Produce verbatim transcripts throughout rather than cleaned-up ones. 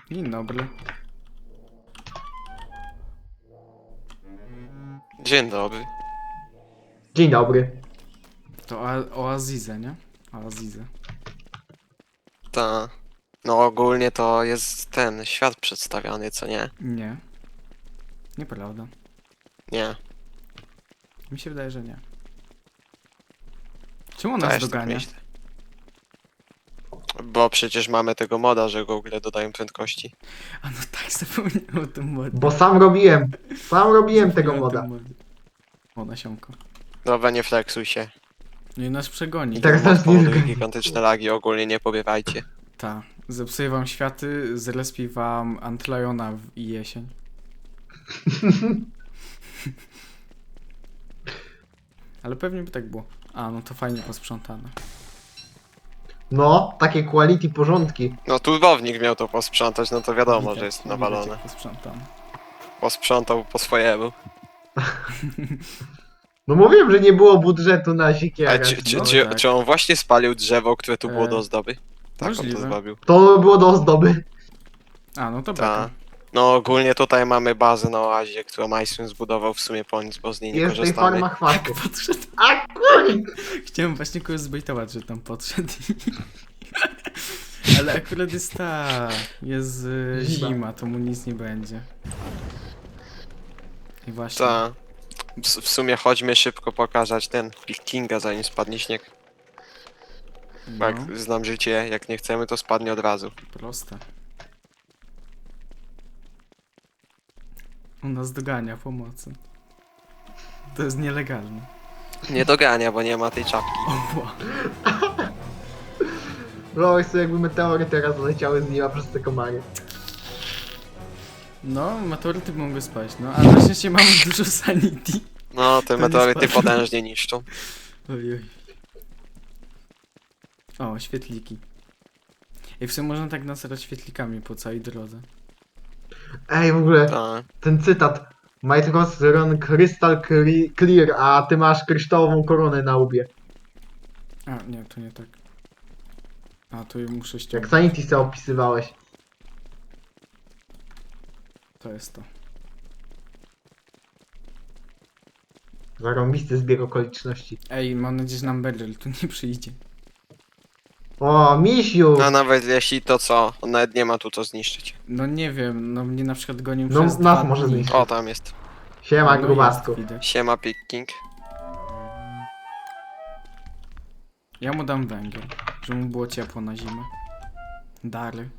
Dzień dobry. Dzień dobry. Dzień dobry. To o, o Azizę, nie? O Azizę. Ta. No ogólnie to jest ten świat przedstawiany, co nie? Nie. Nieprawda. Nie. Mi się wydaje, że nie. Czemu on Też nas tak dogania? myślę. Bo przecież mamy tego moda, że Google dodają prędkości. A no tak, zapomniałem o tym modzie. Bo sam robiłem. Sam robiłem tego Zapomniałem o moda. tym modzie. O, nasionko. Dobra, nie flexuj się. No i nas przegoni. I teraz Mod nas nie powoduje zgoni. gigantyczne lagi, ogólnie nie pobiewajcie. Ta. Zepsuję wam światy, zrespię wam Antliona w i jesień. Ale pewnie by tak było. A, no to fajnie posprzątane. No, takie quality porządki. No turbownik miał to posprzątać, no to wiadomo, Widać, że jest widać, nawalone. jak posprzątane. Posprzątał po swojemu. No mówiłem, że nie było budżetu na A siekierę. czy, czy, no czy, tak. czy on właśnie spalił drzewo, które tu było E, do ozdoby? Tak on możliwe. to zrobił. To było do ozdoby. A, no to Ta. beka. No ogólnie tutaj mamy bazę na oazie, którą Majsun zbudował w sumie po nic, bo z niej nie Jest tej korzystamy. farma chwastów. Podszedł. A kuj! Chciałem właśnie kogoś zbejtować, że tam podszedł. Ale akurat jest ta... Jest y, Zima. zima, to mu nic nie będzie. I właśnie. Ta. W, w sumie chodźmy szybko pokazać ten pickinga, zanim spadnie śnieg. Bo No, jak znam życie, jak nie chcemy, to spadnie od razu. proste. On nas dogania pomocy. To jest nielegalne. Nie dogania, bo nie ma tej czapki. Oła. Wyobraź sobie, jakby meteory teraz leciały z nieba przez te komary. No, meteoryty mogą spać, no. Ale na szczęście mamy dużo sanity. No, te nie meteoryty spadło. potężnie niszczą. Oj, oj. O, świetliki. I w sumie można tak nasrać świetlikami po całej drodze. Ej, w ogóle, Ta. ten cytat. Might Ross run crystal cre- clear, a ty masz kryształową koronę na łbie. A, nie, to nie tak. A, to ja muszę Jak ściągnąć. Sanity se opisywałeś. To jest to. Zarąbisty zbieg okoliczności. Ej, mam nadzieję, że nam Beryl tu nie przyjdzie. O, misiu! A nawet jeśli to co, on nawet nie ma tu co zniszczyć. No nie wiem, no mnie na przykład gonił No, przez nas dwa może dni. zniszczyć. O, tam jest. Siema, No grubasku. jest, widać. Siema picking. Ja mu dam węgiel, żeby mu było ciepło na zimę. Dary.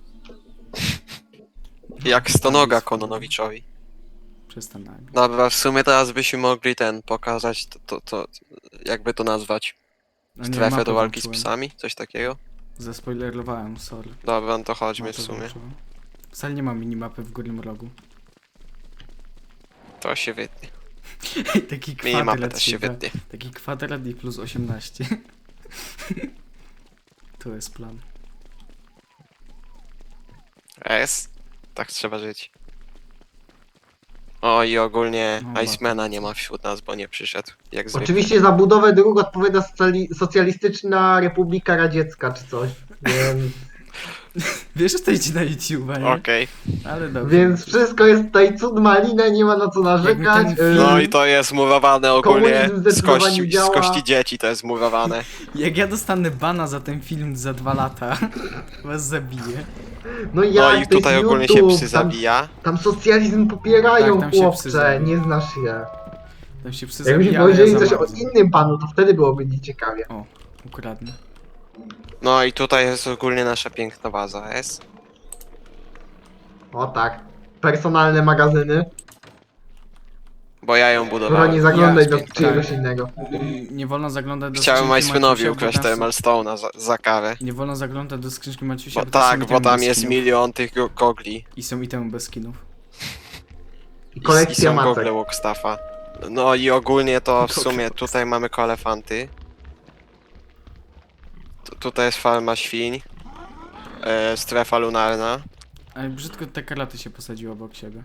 Jak stonoga Kononowiczowi. Przestań nagle. Dobra, w sumie teraz byśmy mogli ten pokazać, to, to, to jakby to nazwać. No nie, Strefę mapę do walki z włączyłem. psami? Coś takiego? Zaspoilerowałem, sorry. Dobra, no to chodźmy w Mapę sumie. włączyłem. Wcale nie ma minimapy w górnym rogu. To się wytnie. Taki Minimapę kwadrat też się da. wytnie. Taki kwadrat i plus osiemnaście. To jest plan. S? Tak trzeba żyć. O i ogólnie No, Icemana nie ma wśród nas, bo nie przyszedł. Jak zwykle. Oczywiście za budowę dróg odpowiada socjali- Socjalistyczna Republika Radziecka czy coś. Więc, Wiesz, że to idzie na YouTube'a, nie? Okej. Ale dobrze. więc wszystko jest tutaj cud malina, nie ma na co narzekać. Jak mi ten Yy, No i to jest murowane ogólnie Komunizm z zdecydowanie kości, z działa. kości dzieci, to jest murowane. Jak ja dostanę bana za ten film za dwa lata, was zabiję. No No jak i to tutaj jest ogólnie się YouTube, psy tam, zabija. tam socjalizm popierają, Tak, tam się psy chłopcze, zabiją. nie znasz się. Tam się psy Jakbyśmy zabija, ale powiedzieli ja coś za o bardzo. innym panu, to wtedy byłoby nieciekawie. O, ukradnę. No i tutaj jest ogólnie nasza piękna baza S. O tak. Personalne magazyny. Bo ja ją Skoro budowałem. nie zaglądać Ja- do piękna. czyjegoś innego. Nie wolno zaglądać do Chciałem skrzynki Majsunowi Maciusia, ukraść bo tam te są- Stone'a za, za karę. Nie wolno zaglądać do skrzynki Maciusia, Bo bo tam tak, są bo itemy tam bez jest skinów. milion tych go- gogli. I są itemy bez skinów. I I, i kolekcja są macek. gogle Walkstaffa. No i ogólnie to w Gogle sumie Walkstaff. tutaj mamy koelefanty. Tu, tutaj jest farma świń. E, strefa lunarna. Ale brzydko te karaty się posadziły obok siebie.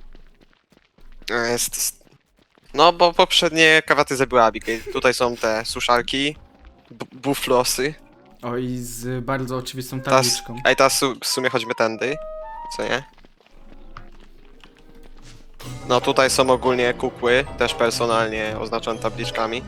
E, Jest... No bo poprzednie kawaty zabiła Abigail. Tutaj są te suszarki. b- Buflosy. O, i z bardzo oczywistą Teraz, tabliczką. ej, teraz su- w sumie chodźmy tędy. Co nie? No tutaj są ogólnie kukły, też personalnie oznaczone tabliczkami.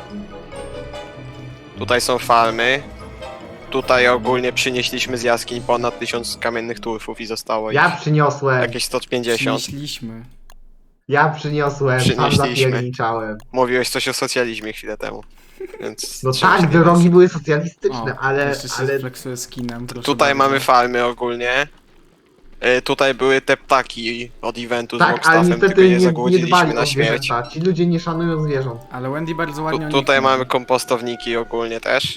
Tutaj są farmy. Tutaj ogólnie przynieśliśmy z jaskiń ponad tysiąc kamiennych turfów i zostało Ja ich przyniosłem. jakieś sto pięćdziesiąt. Przynieśliśmy. Ja przyniosłem, sam Przynieśliśmy. zapierniczałem. Mówiłeś coś o socjalizmie chwilę temu. Więc No trzeba się tak, nie drogi bać. były socjalistyczne, O, ale, jeszcze się ale flexuje skinem, proszę Tutaj bardzo. mamy farmy ogólnie. Y, tutaj były te ptaki od eventu z tak, ale Walkstaffem, tylko niestety je nie, nie zagłodziliśmy dbali na o śmierć. zwierzęta. Ci ludzie nie szanują zwierząt. Ale Wendy bardzo ładnie Tu, o nich tutaj mówi. mamy kompostowniki ogólnie też.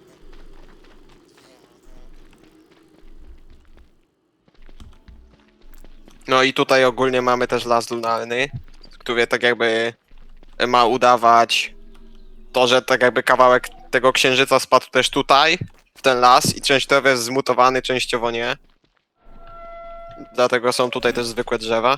No i tutaj ogólnie mamy też las lunarny, który tak jakby ma udawać to, że tak jakby kawałek tego księżyca spadł też tutaj, w ten las i częściowo jest zmutowany, częściowo nie. Dlatego są tutaj też zwykłe drzewa.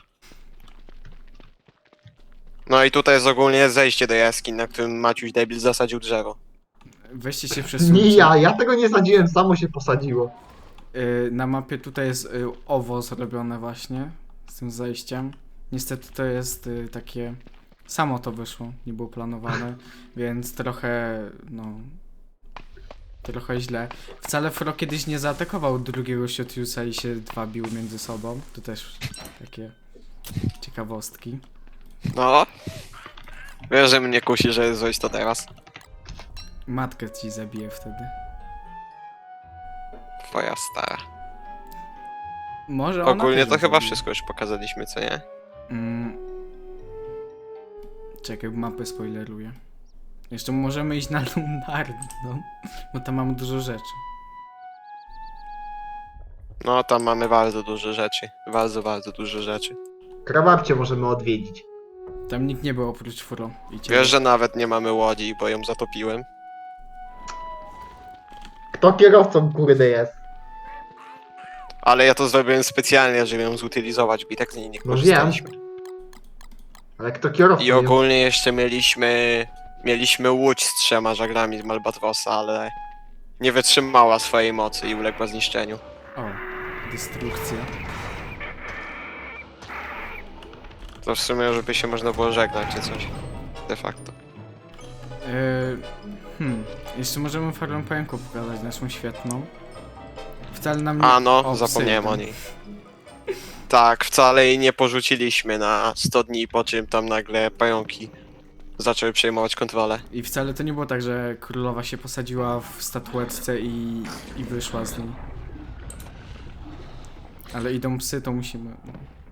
No i tutaj jest ogólnie zejście do jaskiń, na którym Maciuś Debil zasadził drzewo. Weźcie się przesuńcie. Nie ja, ja tego nie sadziłem, samo się posadziło. Y, Na mapie tutaj jest y, owo zrobione właśnie z tym zejściem. Niestety to jest y, takie... Samo to wyszło, nie było planowane, więc trochę, no... Trochę źle. Wcale Fro kiedyś nie zaatakował drugiego Shotiusa i się dwa biły między sobą. To też takie ciekawostki. No. Wiesz, że mnie kusi, że zrobić to teraz. Matkę ci zabije wtedy. Twoja stara. Może ona Ogólnie też to chyba zabije. wszystko już pokazaliśmy, co nie? Mm. Czekaj, mapę spoileruję. Jeszcze możemy iść na Lunarną, bo tam mamy dużo rzeczy. No, tam mamy bardzo dużo rzeczy. Bardzo, bardzo dużo rzeczy. Krababcie możemy odwiedzić. Tam nikt nie był oprócz Fro. I ciebie. Wiesz, że nawet nie mamy łodzi, bo ją zatopiłem. Kto kierowcą kurde jest? Ale ja to zrobiłem specjalnie, żeby ją zutylizować, bo i tak z niej nie No korzystaliśmy. Ale kto kierowcą I jest? ogólnie jeszcze mieliśmy... Mieliśmy łódź z trzema żaglami z Malbatrosa, ale... Nie wytrzymała swojej mocy i uległa zniszczeniu. O, destrukcja. To w sumie, żeby się można było żegnać czy coś. De facto. Yy, hmm, jeszcze możemy farmę pająków pokazać, naszą świetną. Wcale nam nie... A no, O, zapomniałem psy, o niej. Tak, wcale jej nie porzuciliśmy na sto dni, po czym tam nagle pająki zaczęły przejmować kontrolę. I wcale to nie było tak, że królowa się posadziła w statuetce i, i wyszła z niej. Ale idą psy, to musimy... No.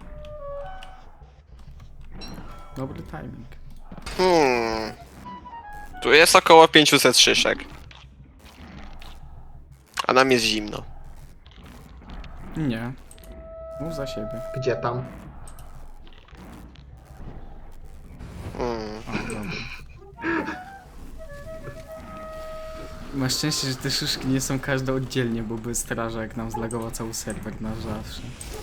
Dobry timing. Hmm. Tu jest około pięćset szyszek. A nam jest zimno. Nie. Mów za siebie. Gdzie tam? Hmm. O, dobra. Masz szczęście, że te szyszki nie są każde oddzielnie, bo by strażak nam zlagował cały serwer na zawsze.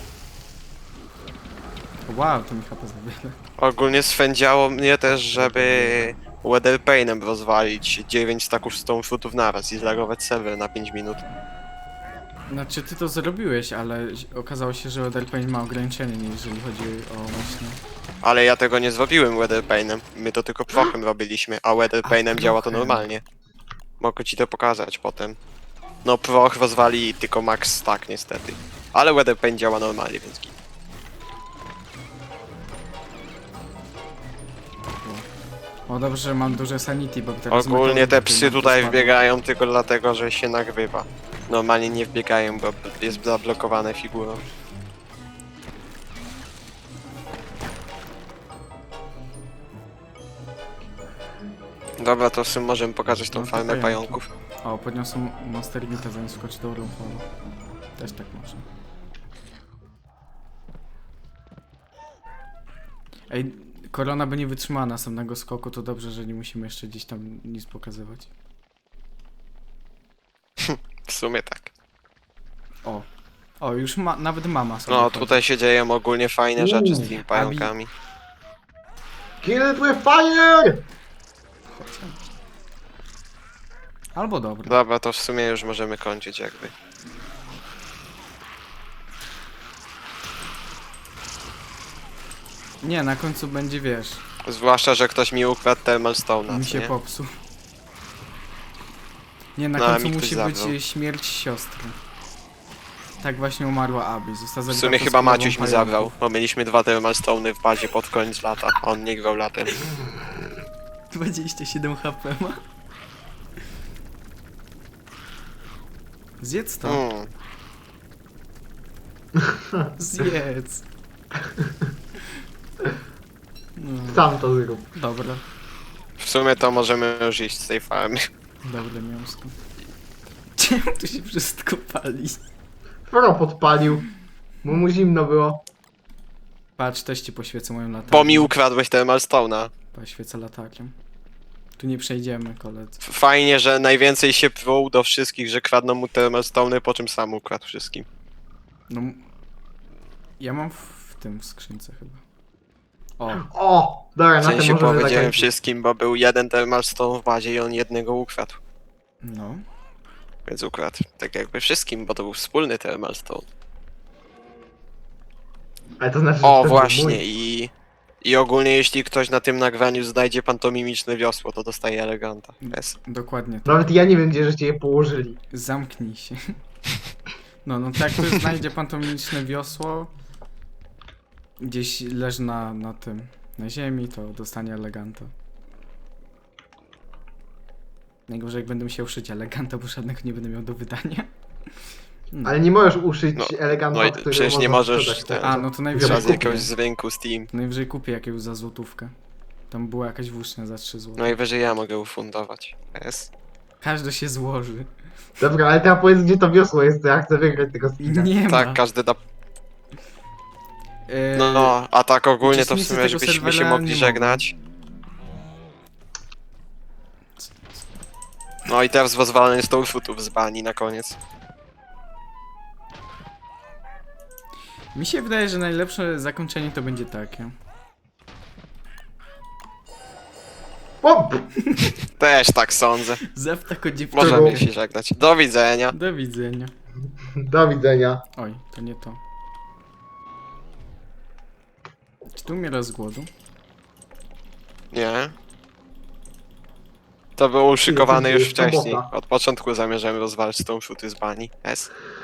Wow, to mi H P zabiera. Ogólnie swędziało mnie też, żeby Weatherpainem rozwalić dziewięć staków stone fruitów naraz i zlagować serwer na pięć minut. Znaczy ty to zrobiłeś, ale okazało się, że Weatherpain ma ograniczenie, jeżeli chodzi o właśnie... Ale ja tego nie zrobiłem Weatherpainem. My to tylko prochem robiliśmy, a Weatherpainem A, działa to prochem. normalnie. Mogę ci to pokazać potem. No proch rozwali tylko max stack niestety. Ale Weatherpain działa normalnie, więc git. O dobrze, że mam duże sanity, bo teraz... Ogólnie te meteoryty psy nam tutaj spadną. wbiegają tylko dlatego, że się nagrywa. Normalnie nie wbiegają, bo jest zablokowane figurą. Dobra, to w sumie możemy pokazać tą No to farmę pająki. pająków. O, podniosą Monster Meata, zanim skoczy do Rumfala. Też tak może. Ej, korona by nie wytrzymała następnego skoku, to dobrze, że nie musimy jeszcze gdzieś tam nic pokazywać. W sumie tak. O. O, już ma, nawet mama sobie No, chodzi. tutaj się dzieją ogólnie fajne rzeczy z Uuu, tymi pająkami. Kill it with fire! Chodź. Albo dobra. Dobra, to w sumie już możemy kończyć jakby. Nie, na końcu będzie, wiesz, Zwłaszcza, że ktoś mi ukradł Thermal Stone'a, mi co się nie? popsuł. Nie, na No, a końcu mi ktoś musi zabrał. być śmierć siostry. Tak właśnie umarła Abby. Została W zabita sumie przez chyba królową Maciuś mi pająków. zabrał, bo mieliśmy dwa Thermal Stone'y w bazie pod koniec lata, a on nie grał latem. dwadzieścia siedem H P ma. Zjedz to. Mm. Zjedz. No, Sam to zrób. dobra. W sumie to możemy już iść z tej farmy. Dobre mięsko. Czemu tu się wszystko pali? Fro podpalił. Bo mu zimno było. Patrz, też ci poświecę moją latarnią. Bo mi ukradłeś Thermal Stone'a. Poświecę latarnią. Tu nie przejdziemy, koledzy. F- Fajnie, że najwięcej się pruł do wszystkich, że kradną mu Thermal Stone'y, po czym sam ukradł wszystkim. No... m- Ja mam w, w tym w skrzynce chyba. O, O! Dobra, W na tym sensie możemy powiedziałem zakończyć. wszystkim, bo był jeden Thermal Stone w bazie i on jednego ukradł. no. Więc ukradł tak jakby wszystkim, bo to był wspólny Thermal Stone. Ale to znaczy, że O, to był właśnie mój. i... I ogólnie jeśli ktoś na tym nagraniu znajdzie pantomimiczne wiosło, to dostaje eleganta. Yes. Dokładnie tak. Nawet ja nie wiem, gdzie żeście je położyli. Zamknij się. No, no tak, tu znajdzie pan to mimiczne wiosło. Gdzieś leży na, na tym, na ziemi, to dostanie eleganta. Najgorzej jak będę musiał szyć eleganta, bo żadnego nie będę miał do wydania. No. Ale nie możesz uszyć No, eleganta, no i który przecież nie można możesz sprzedać ten- teraz. A, no to Trzeba najwyżej z kupię. jakiegoś z rynku Steam. Najwyżej kupię jakiegoś za złotówkę. Tam była jakaś włócznia za trzy złote. Najwyżej ja mogę ufundować. Yes. Każdy się złoży. Dobra, ale teraz powiedz, gdzie to wiosło jest, to ja chcę wygrać tego skina. Nie Tak, ma. każdy da... Eee, No, no, a tak ogólnie to w uczestnicy sumie, tego żebyśmy się serwera mogli nie żegnać. No i teraz pozwalanie Stonefootów z bani na koniec. Mi się wydaje, że najlepsze zakończenie to będzie takie. O! Też tak sądzę. Zew tako dziewczyna. Możemy się żegnać. Do widzenia. Do widzenia. Do widzenia. Oj, to nie to. Czy tu umiera z głodu? Nie. To było uszykowane już Jest sobota. wcześniej. Od początku zamierzamy rozwalić Stonefooty z bani. Yes.